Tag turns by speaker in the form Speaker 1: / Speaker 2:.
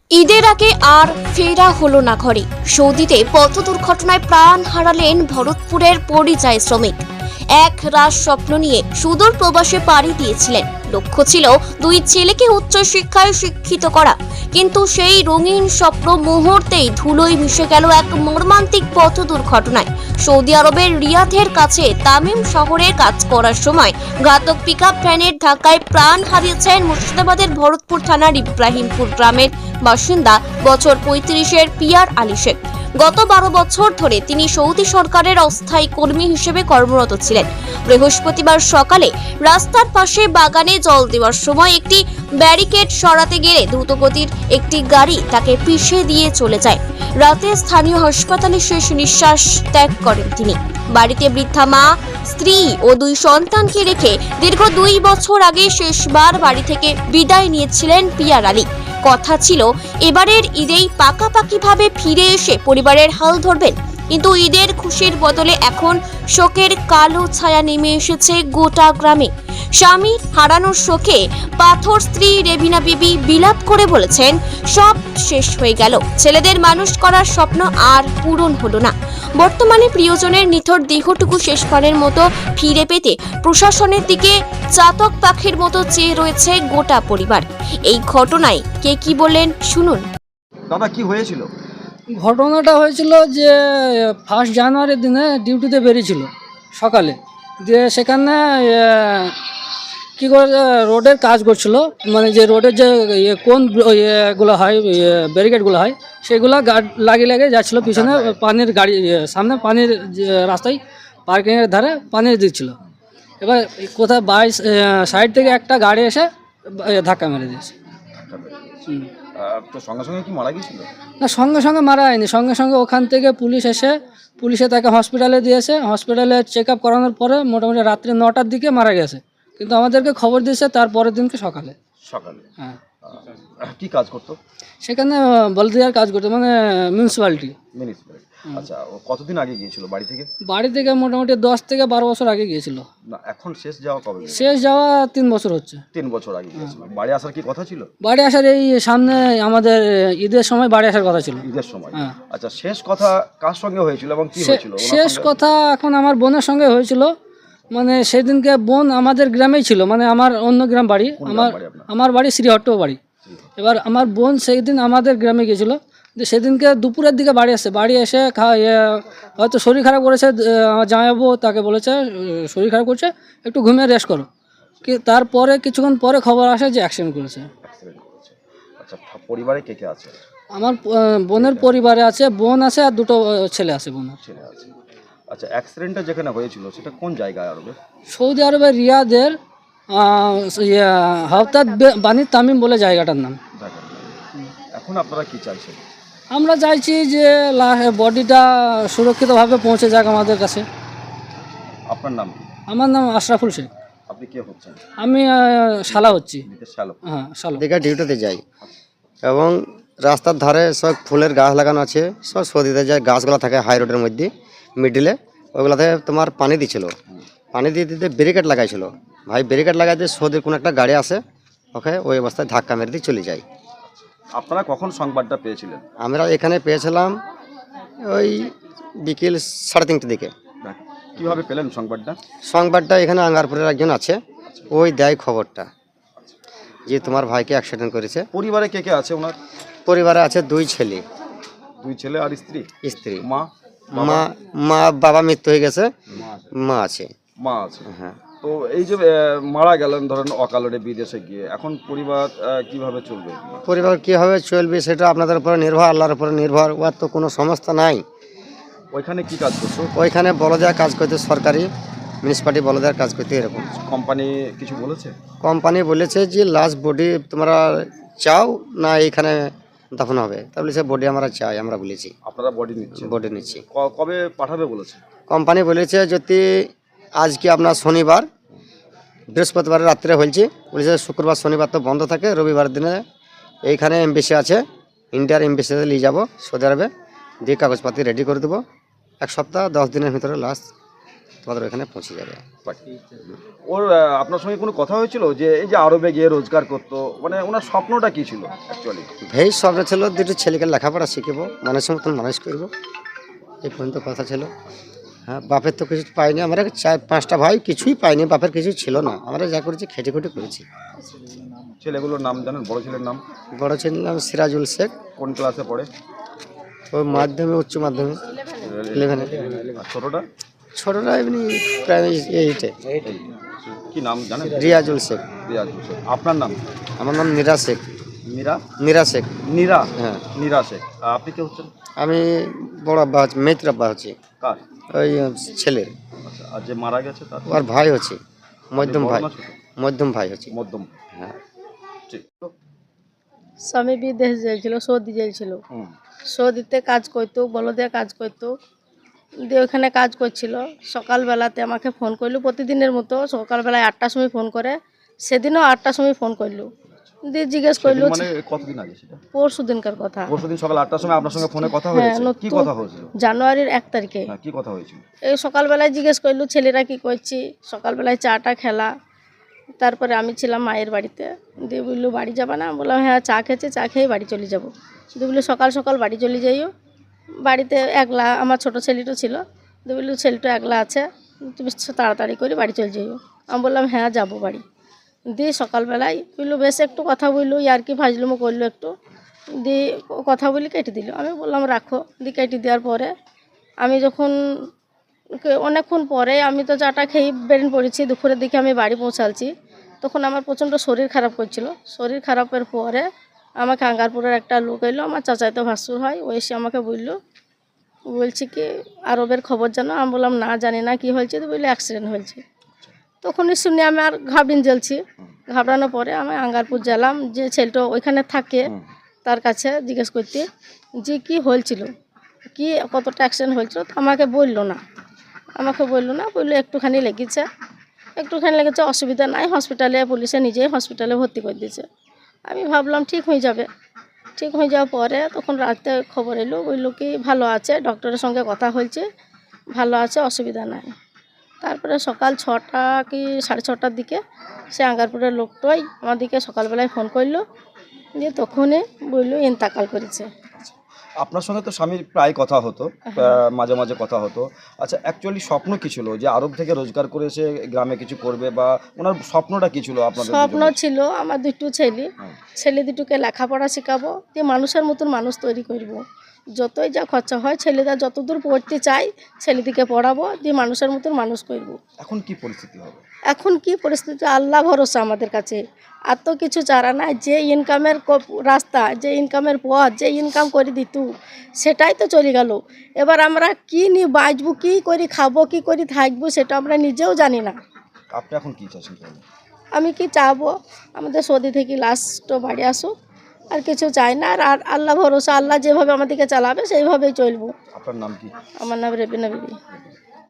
Speaker 1: ঈদের আগে আর ফেরা হলো না ঘরে। সৌদিতে পথ দুর্ঘটনায় প্রাণ হারালেন ভরতপুরের পরিযায়ী শ্রমিক। এক রাত স্বপ্ন নিয়ে সুদূর প্রবাসে পাড়ি দিয়েছিলেন। লক্ষ্য ছিল দুই ছেলেকে উচ্চ শিক্ষায় শিক্ষিত করা, কিন্তু সেই রঙিন স্বপ্ন মুহূর্তেই ধুলোয় মিশে গেল এক মর্মান্তিক পথ দুর্ঘটনায়। সৌদি আরবের রিয়াধের কাছে তামিম শহরে কাজ করার সময় ঘাতক পিকআপ ভ্যানের ধাক্কায় প্রাণ হারিয়েছেন মুর্শিদাবাদের ভরতপুর থানার ইব্রাহিমপুর গ্রামের বাসিন্দা বছর ৩৫-এর পিয়ার আলী শেখ। গত ১২ বছর ধরে তিনি সৌদি সরকারের অস্থায়ী কর্মী হিসেবে কর্মরত ছিলেন। বৃহস্পতিবার সকালে রাস্তার পাশে বাগানে জল দেওয়ার সময় একটি ব্যারিকেড সরাতে গেলে দ্রুতগতির একটি গাড়ি তাকে পিষে দিয়ে চলে যায়। রাতে স্থানীয় হাসপাতালে শেষ নিঃশ্বাস ত্যাগ করেন তিনি। বাড়িতে বৃদ্ধা মা, স্ত্রী ও দুই সন্তানকে রেখে দীর্ঘ ২ বছর আগে শেষবার বাড়ি থেকে বিদায় নিয়েছিলেন পিয়ার আলী। কথা ছিল এবারের ঈদেই পাকাপাকিভাবে ফিরে এসে পরিবারের হাল ধরবেন, কিন্তু ঈদের খুশির বদলে এখন শোকের কালো ছায়া নেমে এসেছে গোটা গ্রামে। স্বামী হারানোর শোকে পাথর স্ত্রী রেবিনা বিবি বিলাপ করে বলেছেন, সব শেষ হয়ে গেল, ছেলেদের মানুষ করার স্বপ্ন আর পূরণ হলো না। বর্তমানে প্রিয়জনের নিথর দেহটুকু শেষবারের মতো ফিরে পেতে প্রশাসনের দিকে চাতক পাখির মতো চেয়ে রয়েছে গোটা পরিবার। এই ঘটনায় কে কি বলেন শুনুন।
Speaker 2: দাদা কি হয়েছিল?
Speaker 3: ঘটনাটা হয়েছিল যে 1 জানুয়ারির দিনে ডিউটিতে বেরিয়েছিল সকালে, দিয়ে সেখানে কী করে রোডের কাজ করছিল, মানে যে রোডের যে কোন ইয়েগুলো হয়, ব্যারিকেডগুলো হয়, সেগুলো লাগিয়ে লাগিয়ে যাচ্ছিলো পিছনে পানির গাড়ি, সামনে পানির রাস্তায় পার্কিংয়ের ধারে পানি দিচ্ছিল। এবার কোথায় সাইড থেকে একটা গাড়ি এসে ধাক্কা মেরে দিয়েছে।
Speaker 2: তো সঙ্গে সঙ্গে কি মারা গিয়েছিল?
Speaker 3: না, সঙ্গে সঙ্গে মারা হয়নি। সঙ্গে সঙ্গে ওখান থেকে পুলিশ এসে পুলিশে তাকে হসপিটালে দিয়েছে। হসপিটালে চেক আপ করানোর পরে মোটামুটি রাত্রি 9টার দিকে মারা গেছে, কিন্তু আমাদেরকে খবর দিয়েছে তার পরের দিনকে সকালে। হ্যাঁ।
Speaker 2: কি কাজ করতো
Speaker 3: সেখানে বলদিয়ার কাজ করতো, মানে মিউনিসিপ্যালিটি।
Speaker 2: আচ্ছা, ও কতদিন আগে গিয়েছিল বাড়ি থেকে?
Speaker 3: বাড়ি থেকে মোটামুটি 10 থেকে 12 বছর আগে গিয়েছিল।
Speaker 2: না, এখন শেষ যাওয়া কবে?
Speaker 3: শেষ যাওয়া 3 বছর হচ্ছে।
Speaker 2: 3 বছর আগে গিয়েছিল। বাড়ি আসার কি কথা ছিল?
Speaker 3: বাড়ি আসার এই সামনে আমাদের ঈদের সময় বাড়ি আসার কথা ছিল।
Speaker 2: ঈদের সময়?
Speaker 3: হ্যাঁ।
Speaker 2: আচ্ছা, শেষ কথা কার সঙ্গে হয়েছিল এবং কি হয়েছিল?
Speaker 3: শেষ কথা এখন আমার বোনের সঙ্গে হয়েছিল। মানে সেদিনকে বোন আমাদের গ্রামেই ছিল, মানে আমার অন্য গ্রাম বাড়ি, আমার বাড়ি শ্রীহট্ট বাড়ি। এবার আমার বোন সেই দিন আমাদের গ্রামে গিয়েছিল। যে সেদিনকে দুপুরের দিকে বাড়ি এসে হয়তো শরীর খারাপ করেছে। আমার জামাইবাবু তাকে বলেছে শরীর খারাপ করছে, একটু ঘুমিয়ে রেস্ট করো। তারপরে কিছুক্ষণ পরে খবর আসে যে অ্যাক্সিডেন্ট করেছে।
Speaker 2: আচ্ছা, পরিবারে কে কে আছে?
Speaker 3: আমার বোনের পরিবারে আছে, বোন আছে আর 2টো ছেলে আছে, বোনের
Speaker 2: ছেলে আছে। আচ্ছা, অ্যাক্সিডেন্টটা যেখানে হয়েছিল সেটা কোন জায়গায় আরবে?
Speaker 3: সৌদি আরবের রিয়াদের হাওতাদ বানি তামিম বলে জায়গাটার নাম।
Speaker 2: এখন আপনারা কি চাইছেন?
Speaker 3: আমরা চাইছি যে বডিটা সুরক্ষিতভাবে পৌঁছে যাক আমাদের কাছে।
Speaker 2: আপনার নাম কি?
Speaker 3: আমার নাম আশরাফুল শেখ।
Speaker 2: আপনি কে হচ্ছেন?
Speaker 3: আমি শালা হচ্ছি। হ্যাঁ, শালা।
Speaker 4: দিকে ডিউটিতে যাই এবং রাস্তার ধারে সব ফুলের গাছ লাগানো আছে, সব সৌদিতে যায় গাছগুলো থাকে হাই রোডের মধ্যে মিডিলে, ওইগুলোতে তোমার পানি দিচ্ছিল। পানি দিয়ে দিতে ব্যারিকেড লাগাইছিল। ভাই ব্যারিকেড লাগাইতে সৌদির কোনো একটা গাড়ি আসে, ওকে ওই অবস্থায় ধাক্কা মেরে দিয়ে চলে যায়।
Speaker 2: আপনারা কখন সংবাদটা পেয়েছিলেন?
Speaker 4: আমরা এখানে পেয়েছিলাম ওই বিকেল 3:30টার দিকে।
Speaker 2: কিভাবে পেলেন সংবাদটা?
Speaker 4: সংবাদটা এখানে আঙ্গারপুরের একজন আছে, ওই দেয় খবরটা যে তোমার ভাইকে অ্যাক্সিডেন্ট করেছে।
Speaker 2: পরিবারে কে কে আছে ওনার?
Speaker 4: পরিবারে আছে 2 ছেলে।
Speaker 2: 2 ছেলে আর স্ত্রী?
Speaker 4: স্ত্রী।
Speaker 2: মা?
Speaker 4: বাবা মৃত্যু হয়ে গেছে, মা আছে।
Speaker 2: মা আছে।
Speaker 4: হ্যাঁ।
Speaker 2: তো এই যে মারা গেলেন ধরেন অকালরে বিদেশে গিয়ে, এখন পরিবার কিভাবে চলবে?
Speaker 4: পরিবার কীভাবে চলবে সেটা আপনাদের উপরে নির্ভর, আল্লাহর উপরে নির্ভর। ওর তো কোনো সংস্থা নাই।
Speaker 2: ওইখানে কি কাজ করছো?
Speaker 4: ওইখানে বলদেয়া কাজ করতে, সরকারি মিউনিসিপালিটি বলদেয়ার কাজ করতে। এরকম
Speaker 2: কোম্পানি কিছু বলেছে?
Speaker 4: কোম্পানি বলেছে যে লাস্ট বডি তোমরা চাও না এইখানে দাফন হবে, তা বলেছে বডি আমরা চাই। আমরা বলেছি
Speaker 2: আপনারা বডি নিচ্ছি। কবে পাঠাবে বলেছে? কোম্পানি
Speaker 4: বলেছে যদি আজকে আপনার শনিবার, বৃহস্পতিবার রাত্রে হয়েছে, বলেছে শুক্রবার শনিবার তো বন্ধ থাকে, রবিবার দিনে এইখানে এমবেসি আছে, ইন্ডিয়ার এমবেসিতে নিয়ে যাবো সৌদি আরবে, দিয়ে কাগজপাতি রেডি করে দেবো। 1 সপ্তাহ 10 দিনের ভিতরে লাশ তোমাদের ওখানে পৌঁছে যাবে।
Speaker 2: ওর আপনার সঙ্গে কোনো কথা হয়েছিল যে এই যে আরবে গিয়ে রোজগার করতো, মানে ওনার স্বপ্নটা কি ছিল অ্যাকচুয়ালি?
Speaker 4: ভেই স্বপ্ন ছিল দুটো ছেলেকে লেখাপড়া শিখবো, মানুষের মতন মানুষ করবো, এই পর্যন্ত কথা ছিল। হ্যাঁ, বাপের তো কিছু পাইনি, আমরা 4-5টা ভাই কিছুই পাইনি, বাপের কিছু ছিল না, আমরা যা করেছি খেটে খুঁটে করেছি।
Speaker 2: ছেলেগুলোর নাম জানেন? বড় ছেলের নাম?
Speaker 4: বড় ছেলের নাম সিরাজুল শেখ,
Speaker 2: কোন ক্লাসে পড়ে?
Speaker 4: ওই মাধ্যমিক উচ্চ মাধ্যমিক 11-এ।
Speaker 2: আর ছোটটা?
Speaker 4: ছোটরা এমনি প্রাইমারি 8-এ।
Speaker 2: কি নাম জানেন?
Speaker 4: রিয়াজুল শেখ।
Speaker 2: রিয়াজ হোসেন। আপনার নাম?
Speaker 4: আমার নাম নীরা শেখ।
Speaker 2: মীরা
Speaker 4: শেখ।
Speaker 2: নীরা?
Speaker 4: হ্যাঁ।
Speaker 2: নীরা শেখ। আর আপনি কে হচ্ছেন?
Speaker 4: আমি বড় আব্বা হচ্ছি, মেয়ের আব্বা হচ্ছি,
Speaker 2: কার?
Speaker 4: ওই ছেলের।
Speaker 2: আচ্ছা, আর যে মারা গেছে তার?
Speaker 4: ওর ভাই হচ্ছে, মধ্যম ভাই।
Speaker 2: বড় না ছোট?
Speaker 4: মধ্যম ভাই হচ্ছে।
Speaker 2: মধ্যম।
Speaker 4: হ্যাঁ।
Speaker 2: ঠিক।
Speaker 5: স্বামী বিদেশ যাইছিল, সৌদি যাইছিল।
Speaker 2: হুম।
Speaker 5: সৌদিতে কাজ করতো, বলদে কাজ করতো, দিয়ে ওখানে কাজ করছিল। সকালবেলাতে আমাকে ফোন করলো প্রতিদিনের মতো, সকালবেলায় 8টার সময় ফোন করে, সেদিনও 8টার সময় ফোন করলো। দিয়ে জিজ্ঞেস করলো,
Speaker 2: সেদিন মানে কতদিন আগে সেটা?
Speaker 5: পরশু দিনকার কথা।
Speaker 2: পরশুদিন সকাল 8টার সময় আপনার সঙ্গে ফোনে কথা
Speaker 5: হ্যাঁ,
Speaker 2: হয়েছে? কি
Speaker 5: নতুন
Speaker 2: কথা হয়েছিল?
Speaker 5: জানুয়ারির 1 তারিখে।
Speaker 2: হ্যাঁ, কি কথা হয়েছিল?
Speaker 5: এই সকালবেলায় জিজ্ঞেস করলো ছেলেরা কি করছি, সকালবেলায় চাটা খেলা। তারপরে আমি ছিলাম মায়ের বাড়িতে, দিয়ে বললো বাড়ি যাবা না? বললাম হ্যাঁ, চা খেয়েছে, চা খেয়ে বাড়ি চলে যাবো। দিয়ে বললো সকাল সকাল বাড়ি চলে যাইও, বাড়িতে একলা আমার ছোটো ছেলেটা ছিল। দিয়ে বললো ছেলেটা একলা আছে, তুমি তাড়াতাড়ি করে বাড়ি চলে যাইও। আমি বললাম হ্যাঁ যাবো বাড়ি। দিয়ে সকালবেলায় বললো বেশ একটু কথা বললো, আর কি ফাজলুমো করলো একটু, দিয়ে কথা বলি কেটে দিল। আমি বললাম রাখো। দিয়ে কেটে দেওয়ার পরে আমি যখন অনেকক্ষণ পরে, আমি তো চাটা খেয়ে বেরিয়ে পড়েছি, দুপুরের দিকে আমি বাড়ি পৌঁছালছি, তখন আমার প্রচণ্ড শরীর খারাপ করছিল। শরীর খারাপের পরে আমাকে আঙ্গারপুরের একটা লোক এলো, আমার চাচাতো ভাসুর হয়, ও এসে আমাকে বলছি কি আরবের খবর জানো? আমি বললাম না জানি না, কি হয়েছে? তো বললে অ্যাক্সিডেন্ট হয়েছে। তখনই শুনে আমি আর ঘাবড়িয়ে জ্বলছি। ঘাবড়ানোর পরে আমি আঙ্গারপুর গেলাম, যে ছেলেটা ওইখানে থাকে তার কাছে জিজ্ঞেস করতে যে কি হয়েছিল, কি কতটা অ্যাক্সিডেন্ট হয়েছিল। তো আমাকে বললো না, বললো একটুখানি লেগেছে, অসুবিধা নাই, হসপিটালে পুলিশে নিজেই হসপিটালে ভর্তি করে দিয়েছে। আমি ভাবলাম ঠিক হয়ে যাবে। ঠিক হয়ে যাওয়ার পরে তখন রাতে খবর এলো, বললো কি ভালো আছে, ডক্টরের সঙ্গে কথা হয়েছে, ভালো আছে, অসুবিধা নাই। তারপরে সকাল 6টা কি 6:30টার দিকে সে আঙ্গারপুরের লোকটাই আমাদেরকে সকালবেলায় ফোন করলো, দিয়ে তখনই বললো ইন্তেকাল করেছে।
Speaker 2: আপনার সঙ্গে তো স্বামীর প্রায় কথা হতো, মাঝে মাঝে কথা হতো। আচ্ছা, অ্যাকচুয়ালি স্বপ্ন কি ছিল যে আরব থেকে রোজগার করে এসে গ্রামে কিছু করবে, বা ওনার স্বপ্নটা কি ছিল আপনাদের
Speaker 5: স্বপ্ন
Speaker 2: দুজনের?
Speaker 5: ছিল আমার দুটো ছেলে দুটোকে লেখাপড়া শেখাবো, দিয়ে মানুষের মতন মানুষ তৈরি করব। যতই যা খরচা হয়, ছেলেরা যতদূর পড়তে চাই ছেলেদিকে পড়াবো, দিয়ে মানুষের মতন মানুষ করব।
Speaker 2: এখন কি পরিস্থিতি হবে?
Speaker 5: এখন কি পরিস্থিতি, আল্লাহ ভরসা আমাদের কাছে। আর তো কিছু চারা নাই, যে ইনকামের রাস্তা, যে ইনকামের পথ, যে ইনকাম করে দিত সেটাই তো চলে গেল। এবার আমরা কি নিয়ে বাঁচবো, কী করে খাবো, কী করে থাকবো, সেটা আমরা নিজেও জানি না।
Speaker 2: আপনি এখন কি চাচ্ছেন তাহলে?
Speaker 5: আমি কি চাবো, আমাদের সৌদি থেকে লাস্ট বাড়ি আসুক, আর কিছু চাই না। আর আল্লাহ ভরসা, আল্লাহ যেভাবে আমাদেরকে চালাবে সেইভাবেই চলবো।
Speaker 2: আপনার নাম কি?
Speaker 5: আমার নাম রেবিনা বিবি।